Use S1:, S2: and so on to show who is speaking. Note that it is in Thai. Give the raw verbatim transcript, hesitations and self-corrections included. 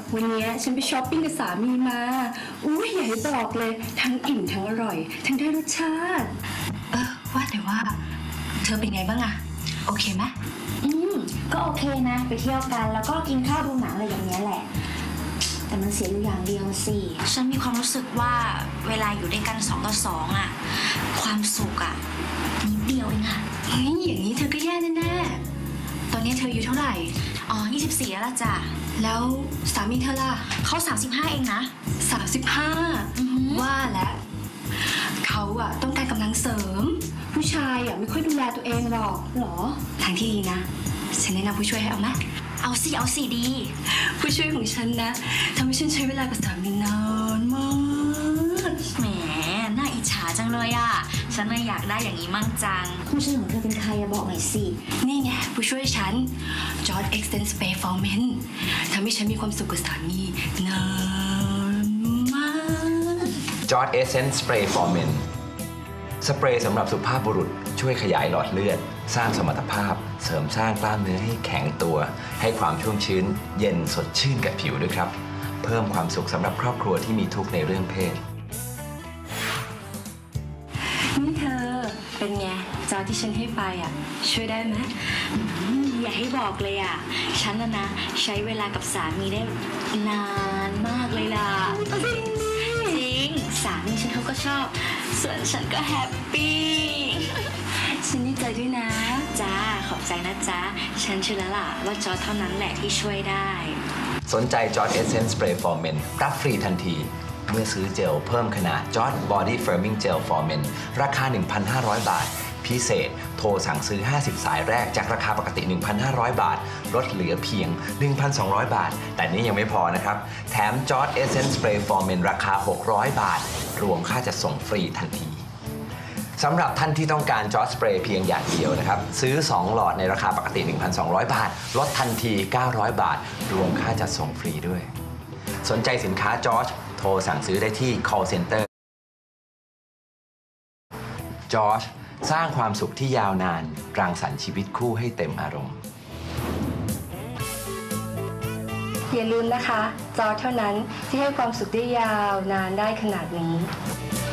S1: วันนี้ฉันไปช้อปปิ้งกับสามีมาอุ้ยอย่าให้บอกเลยทั้งอิ่มทั้งอร่อยทั้งได้รสชาติ
S2: เออว่าแต่ว่าเธอเป็นไงบ้างอะโอเคไหม
S3: อืมก็โอเคนะไปเที่ยวกันแล้วก็กินข้าวดูหนังอะไรอย่างเงี้ยแหละแต่มันเสียอยู่อย่างเดียวสิ
S2: ฉันมีความรู้สึกว่าเวลาอยู่ด้วยกันสองต่อสองอะความสุขอะนิดเดียวเองอะเฮ้ยอย่างนี้เธอก็แย่แน่ๆตอนนี้เธออยู่เท่าไหร่อ๋อยี่สิบสี่แล้วล่ะจ้ะ
S1: แล้วสามีเธอล่ะ
S2: เขาสามสิบห้าเองนะ
S1: สามสิบห้าว่าแล้วเขาอะต้องการกำลังเสริมผู้ชายอะไม่ค่อยดูแลตัวเองหรอกหรอทางที่ดีนะฉันแนะนำผู้ช่วยให้เอาไหม
S2: เอาสิเอาสิดี
S1: ผู้ช่วยของฉันนะทำให้ฉันใช้เวลากับสามีนานมาก
S2: แหมน่าอิจฉาจังเลยอะฉันเลยอยากได้อย่างนี้มั่งจัง
S3: ผู้ช่วยของเธอเป็นใครอะบอกหน่อยสิ
S1: นี่ไงผู้ช่วยฉันจอร์จ Extend Spray for Men ทำให้ฉันมีความสุขกับสามีนานมาก
S4: จอร์จ Essence Spray for Men สเปรย์สำหรับสุภาพบุรุษช่วยขยายหลอดเลือดสร้างสมรรถภาพเสริมสร้างกล้ามเนื้อให้แข็งตัวให้ความชุ่มชื้นเย็นสดชื่นกับผิวด้วยครับเพิ่มความสุขสำหรับครอบครัวที่มีทุกข์ในเรื่องเพศ
S1: นี่เธอเป็นไงจอที่ฉันให้ไปอ่ะช่วยได้ไหม
S2: อย่าให้บอกเลยอ่ะฉันน่ะนะใช้เวลากับสามีได้นานมากเลยล่ะจริงสามีฉันเขาก็ชอบส่วนฉันก็แฮปปี้
S1: ฉันดีใจด้วยนะ
S2: จ้าขอบใจนะจ๊ะฉันเชื่อแล้วล่ะว่าจอร์จเท่านั้นแหละที่ช่วยได้
S4: สนใจจอร์จ Essence Spray for Men รับฟรีทันทีเมื่อซื้อเจลเพิ่มขนาดจอร์จ Body Firming Gel for Men ราคา หนึ่งพันห้าร้อย บาทพิเศษโทรสั่งซื้อห้าสิบสายแรกจากราคาปกติ หนึ่งพันห้าร้อย บาทลดเหลือเพียง หนึ่งพันสองร้อย บาทแต่นี้ยังไม่พอนะครับแถมจอร์จ Essence Spray for Men ราคาหกร้อยบาทรวมค่าจัดส่งฟรีทันทีสำหรับท่านที่ต้องการจอร์จสเปรย์เพียงอย่างเดียวนะครับซื้อสองหลอดในราคาปกติ หนึ่งพันสองร้อย บาทลดทันทีเก้าร้อยบาทรวมค่าจัดส่งฟรีด้วยสนใจสินค้าจอร์จโทรสั่งซื้อได้ที่ call center จอร์จสร้างความสุขที่ยาวนานรังสรรค์ชีวิตคู่ให้เต็มอารมณ์
S1: อย่าลืมนะคะจอร์จเท่านั้นที่ให้ความสุขได้ยาวนานได้ขนาดนี้